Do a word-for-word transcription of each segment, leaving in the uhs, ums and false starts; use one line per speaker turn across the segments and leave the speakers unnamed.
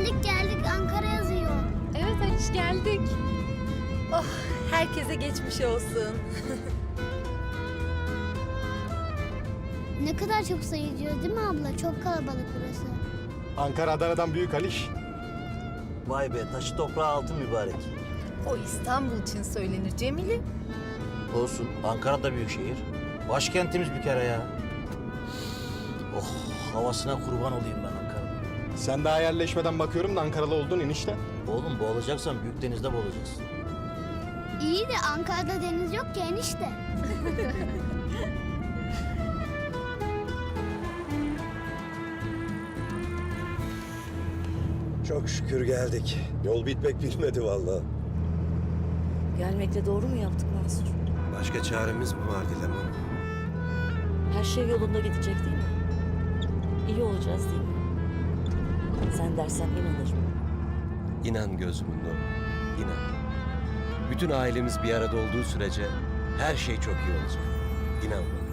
Geldik geldik Ankara yazıyor.
Evet Aliş geldik.
Oh, herkese geçmiş olsun.
Ne kadar çok sayılıyor değil mi abla? Çok kalabalık burası.
Ankara Adana'dan büyük Aliş.
Vay be, taşı toprağı altın mübarek.
O İstanbul için söylenir Cemile.
Olsun, Ankara da büyük şehir. Başkentimiz bir kere ya. Oh, havasına kurban olayım ben Ankara'nın.
Sen daha yerleşmeden bakıyorum da Ankaralı oldun enişte.
Oğlum boğulacaksan büyük denizde boğulacaksın.
İyi de Ankara'da deniz yok ki enişte.
Çok şükür geldik. Yol bitmek bilmedi vallahi.
Gelmekle doğru mu yaptık Mansur?
Başka çaremiz mi var Dilan?
Her şey yolunda gidecek değil mi? İyi olacağız değil mi? Sen dersen inanırım.
İnan gözümün nuru. İnan. Bütün ailemiz bir arada olduğu sürece her şey çok iyi olacak. İnan bana.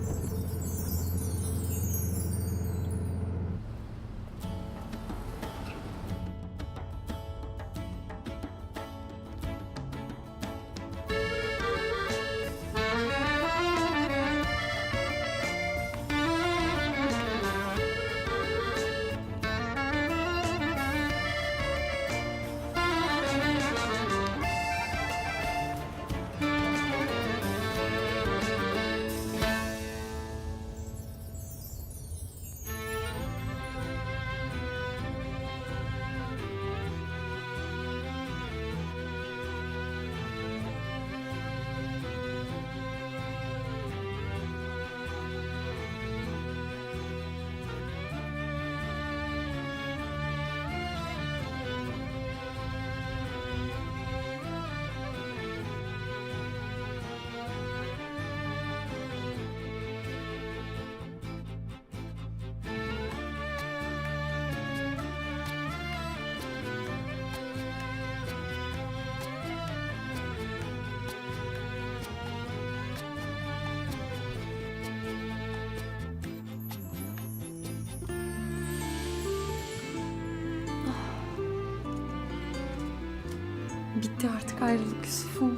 Bitti artık ayrılık Yusuf'um.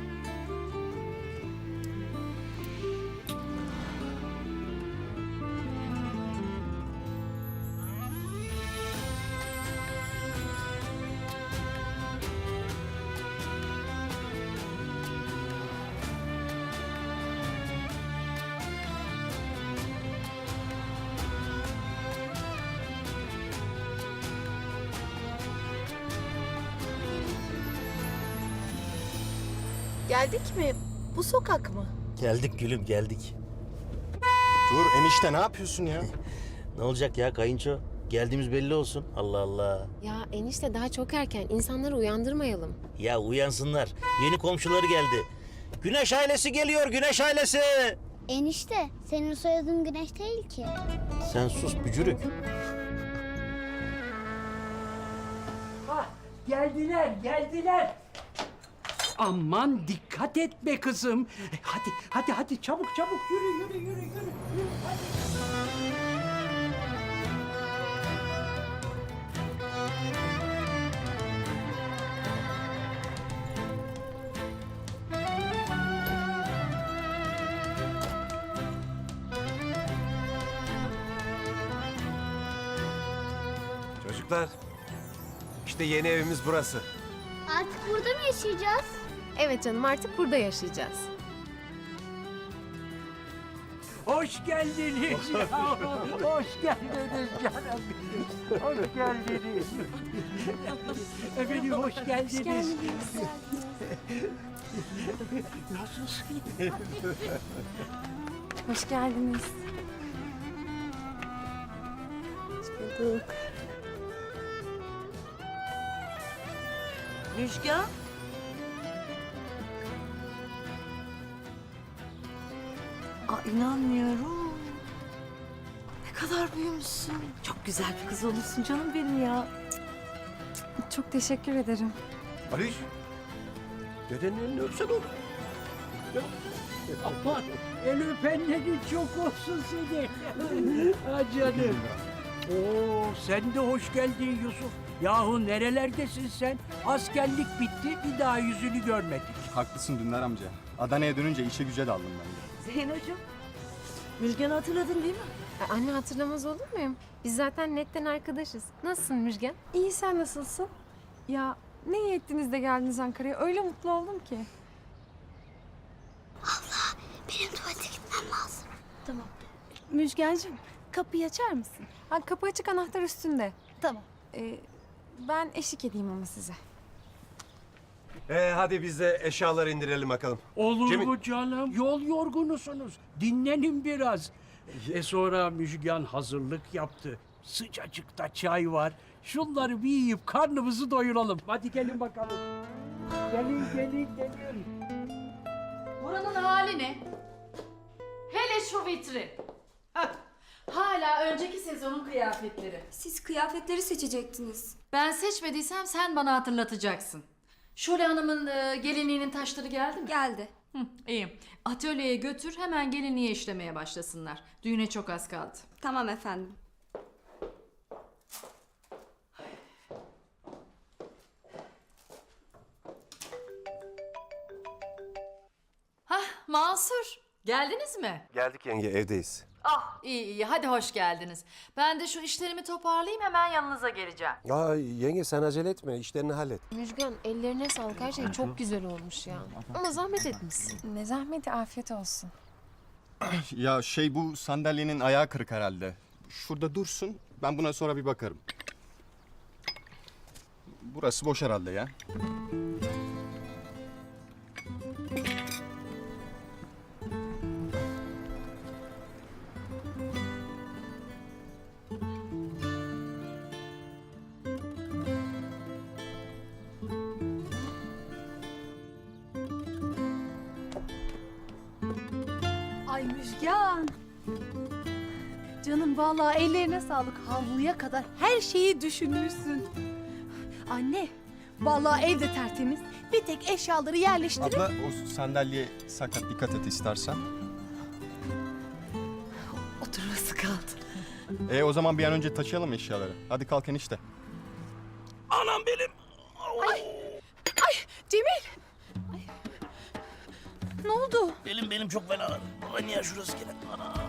Geldik mi? Bu sokak mı?
Geldik gülüm, geldik.
Dur enişte ne yapıyorsun ya?
Ne olacak ya kayınço? Geldiğimiz belli olsun. Allah Allah.
Ya enişte daha çok erken. İnsanları uyandırmayalım.
Ya uyansınlar. Yeni komşuları geldi. Güneş ailesi geliyor, Güneş ailesi.
Enişte senin soyadın Güneş değil ki.
Sen sus bücürük.
Ah, geldiler, geldiler. Aman dikkat et be kızım. E, Hadi, hadi, hadi çabuk çabuk yürü, yürü, yürü, yürü. yürü hadi.
Çocuklar, işte yeni evimiz burası.
Artık burada mı yaşayacağız?
Evet canım artık burada yaşayacağız.
Hoş geldiniz ya. Hoş geldiniz canım. Hoş geldiniz. Efendim hoş geldiniz. Nasılsın?
Hoş geldiniz. Hoş bulduk.
Müjgan. Aa, inanmıyorum. Ne kadar büyümüşsün. Çok güzel bir kız olursun canım benim ya.
Çok teşekkür ederim.
Aliş, dedenin elini öpsen oğlum.
Aman el öpenlerin çok olsun seni. Ha canım. Oo, sen de hoş geldin Yusuf. Yahu nerelerdesin sen? Askerlik bitti, bir daha yüzünü görmedik.
Haklısın Dündar amca. Adana'ya dönünce işe güce daldım ben de.
Zeynocuğum, Müjgan'ı hatırladın değil mi?
E, anne hatırlamaz olur muyum? Biz zaten netten arkadaşız. Nasılsın Müjgan?
İyi, sen nasılsın? Ya ne iyi ettiniz de geldiniz Ankara'ya. Öyle mutlu oldum ki.
Benim tuvalete gitmem lazım.
Tamam. Müjgancığım, kapıyı açar mısın? Ha, kapı açık, anahtar üstünde.
Tamam.
Ee, ben eşlik edeyim ama size.
Ee, hadi biz de eşyaları indirelim bakalım.
Olur
Cemil-
mu canım? Yol yorgunusunuz. Dinlenin biraz. E sonra Müjgan hazırlık yaptı. Sıcacıkta çay var. Şunları bir yiyip karnımızı doyuralım. Hadi gelin bakalım. Gelin, gelin, gelin.
Buranın hali ne? Hele şu vitrin. Hah, hala önceki sezonun kıyafetleri.
Siz kıyafetleri seçecektiniz.
Ben seçmediysem sen bana hatırlatacaksın. Şule Hanım'ın e, gelinliğinin taşları geldi mi?
Geldi.
Hı, iyi. Atölyeye götür, hemen gelinliğe işlemeye başlasınlar. Düğüne çok az kaldı.
Tamam efendim.
Hah, Mansur. Geldiniz mi?
Geldik yenge, evdeyiz.
Ah, iyi iyi. Hadi hoş geldiniz. Ben de şu işlerimi toparlayayım, hemen yanınıza geleceğim.
Aa, yenge sen acele etme, işlerini hallet.
Müjgan ellerine sağlık. Her şey çok güzel olmuş ya. Ama zahmet etmişsin.
Ne zahmeti, afiyet olsun.
Ya şey bu sandalyenin ayağı kırık herhalde. Şurada dursun. Ben buna sonra bir bakarım. Burası boş herhalde ya.
Ay Müjgan. Canım vallahi ellerine sağlık. Havluya kadar her şeyi düşünmüşsün. Anne, vallahi evde tertemiz. Bir tek eşyaları yerleştirip...
Abla o sandalye sakat, dikkat et istersen.
Oturması kaldı.
E o zaman bir an önce taşıyalım eşyaları. Hadi kalk enişte.
Cemil! Ay. Ne oldu?
Benim benim çok fena. Baba niye şurası gene? Ana.